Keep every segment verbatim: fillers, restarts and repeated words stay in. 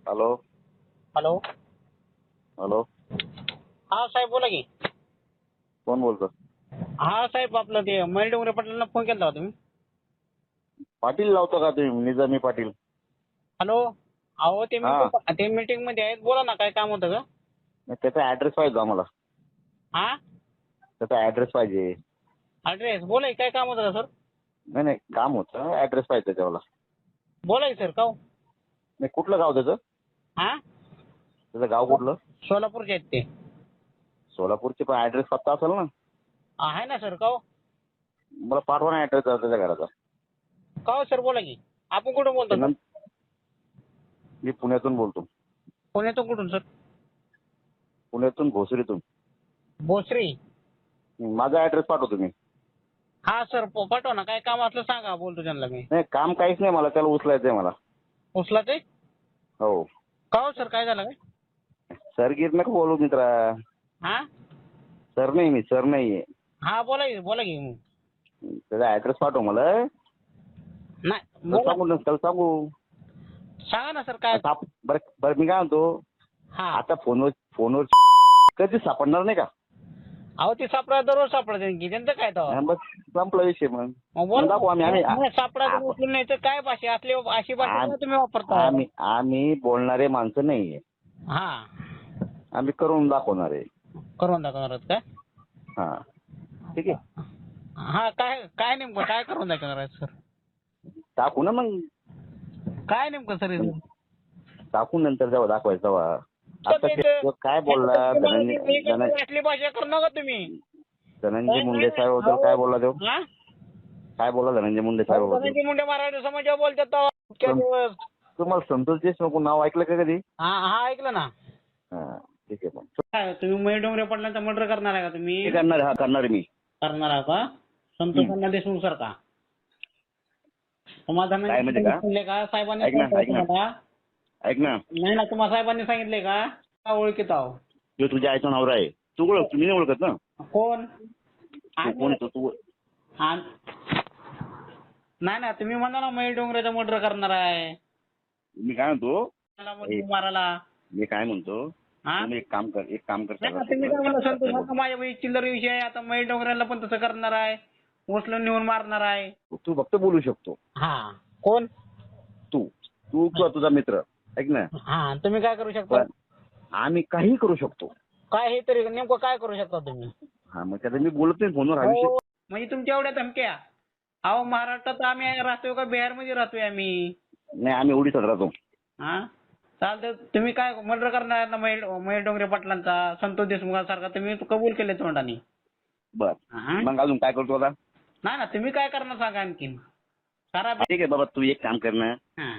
Hello hello. Hello. हा साहेब बोला की. कोण बोलतो? हा साहेब आपलं ते मयूर डोंगरे पाटलांना फोन केला होता तुम्ही. पाटील लावतो का तुम्ही? निजामी पाटील. हॅलो. अहो ते हा. मीटिंग ते मीटिंग मध्ये आहेत, बोला ना काय काम होतं का? नाही, त्याचा ऍड्रेस पाहिजे आम्हाला. हा त्याचा ऍड्रेस पाहिजे. ॲड्रेस बोला की, काय काम होतं का सर? नाही नाही काम होतं, ऍड्रेस पाहिजे त्याच्यावाला. बोला की सर का हो? नाही, कुठलं गाव त्याचं? हा त्याचं गाव कुठलं? सोलापूरचे आहेत ते. सोलापूरचे, पण ऍड्रेस पत्ता असेल ना? आहे ना सर का हो? मला पाठवा ना ऍड्रेस त्याच्या घराचा. का हो सर बोला की. आपण कुठून बोलतो ते सर? नं- मी पुण्यातून बोलतो. पुण्यातून कुठून सर? पुण्यातून भोसरीतून. भोसरी. माझा ऍड्रेस पाठव तुम्ही. हा सर प- पाठवा ना, काय काम असलं सांगा, बोलतो त्यांना मी. नाही, काम काहीच नाही, मला त्याला उचलायचंय मला. उचला ते. हो. का हो सर काय झालं काय? सर गिर नका बोलू मित्रा. हा सर नाही, मी सर नाहीये. हा बोला की बोला की. त्याचा ऍड्रेस पाठव मला. नाही त्याला बोला. सांगू ना, त्याला सांगू. सांगा ना सर काय. साप- बरं बरं मी काय म्हणतो, हा आता फोनवर फोनवर कधी सापडणार नाही का? अहो ते सापडा दररोज सापडा की, त्यांचं काय तर. हा, बस संपला विषय. मग मग मग दाखवू आम्ही आम्ही बोला सापडा आप- उचलून नाही तर काय भाषा असली अशी भाषा आम- का तुम्ही वापरता? आम्ही आम्ही बोलणारे माणसं नाहीये. हा आम्ही करून दाखवणार आहे. करून दाखवणार आहात काय? हा, ठीक आहे. हा काय काय नेमकं काय करून दाखवणार आहे सर? टाकू ना मग. काय नेमकं सर हे? टाकून नंतर जेव्हा दाखवायचं तेव्हा. सर, आता ते- ते काय बोलला धनंजय धन- असली भाषा करू नका तुम्ही. धनंजय मुंडे साहेबाबद्दल काय बोलला तो? हा? काय बोलला धनंजय मुंडे साहेबाबद्दल? धनंजय मुंडे मराठी समाजावर बोलतात तेव्हा इतक्या दिवस. तुम्हाला संतोष देशमुख नाव ऐकलं का कधी? हा हा ऐकलं ना. हा, ठीक आहे. मग काय तुम्ही मयूर डोंगरे पाटलांचा मर्डर करणार आहे का तुम्ही? हे करणार हा करणार मी. करणार आहे का? संतोषांना देशमुख सर का? तुम्हाला काय म्हणजे का? सांगितले का साहेबांनी ऐक ना, सांगितलं ऐक ना. तुम्हाला? ऐक ना, नाही ना, तुम्हाला साहेबांनी सांगितले का? का ओळखीत आहो? तो तुझ्या आईचा नवरा आहे. तू ओळख, तुम्ही नाही ओळखत ना? कोण? तू कोण येतो तू? आ- नाही ना, तुम्ही म्हणा ना मयूर डोंगरेचा मर्डर करणार आहे. मी काय म्हणतो, मला मग मारायला. मी काय म्हणतो, हा? तुम्ही एक काम कर, एक काम कर. नाही ना, तुम्ही काय म्हणा संतोष आता माझ्या भाई चिल्लर विषय आहे, आता मयूर डोंगरेला पण तसं करणार आहे, उचलून नेऊन मारणार आहे. तू फक्त बोलू शकतो. हा कोण? तू तू किंवा तुझा मित्र. ऐक ना, हा तुम्ही काय करू शकता? पण आम्ही काही करू शकतो. काय हे तरी नेमकं काय करू शकता तुम्ही? हा, मग त्याला मी बोलत नाही फोनवर हा विषय. हो, म्हणजे तुमच्या एवढ्या धमक्या. अहो महाराष्ट्रात आम्ही राहतोय का बिहारमध्ये राहतोय आम्ही? नाही, आम्ही ओडिसात राहतो. हा चालतं. तुम्ही काय मर्डर करणार ना मयूर मयूर डोंगरे पाटलांचा, संतोष देशमुखांसारखा तुम्ही कबूल केले तोंडाने. बर, हा? मग अजून काय करतो आता? नाही ना, तुम्ही काय करणार सांगा आणखीन. सारा ठीक आहे बाबा, तू एक काम कर ना. हा.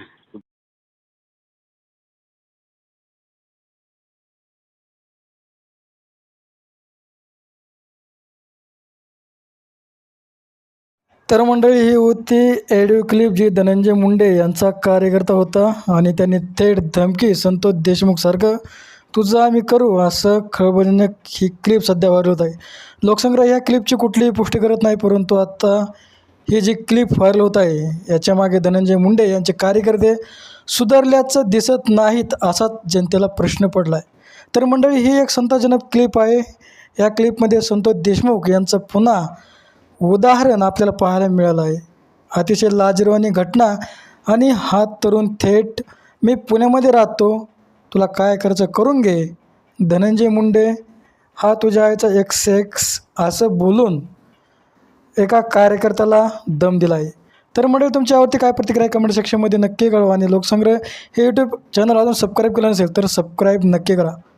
तर मंडळी ही होती ऑडिओ क्लिप जी धनंजय मुंडे यांचा कार्यकर्ता होता आणि त्यांनी थेट धमकी संतोष देशमुखसारखं तुझं आम्ही करू असं खळबळजनक ही क्लिप सध्या व्हायरल होत आहे. लोकसंग्रह ह्या क्लिपची कुठलीही पुष्टी करत नाही, परंतु आत्ता ही जी क्लिप व्हायरल होत आहे याच्यामागे धनंजय मुंडे यांचे कार्यकर्ते सुधारल्याचं दिसत नाहीत असाच जनतेला प्रश्न पडला आहे. तर मंडळी ही एक संतापजनक क्लिप आहे. या क्लिपमध्ये संतोष देशमुख यांचं पुन्हा उदाहरण आपल्याला पाहायला मिळालं आहे. अतिशय लाजिरवाणी घटना आणि हा तरुण थेट मी पुण्यामध्ये राहतो, तुला काय खर्च करून घे, धनंजय मुंडे हा तुझ्या आईचा एक्स एक्स असं बोलून एका कार्यकर्त्याला दम दिला आहे. तर मंडळी तुमच्यावरती काय प्रतिक्रिया कमेंट सेक्शनमध्ये नक्की कळवा आणि लोकसंग्रह हे यूट्यूब चॅनल अजून सबस्क्राईब केलं नसेल तर सबस्क्राईब नक्की करा.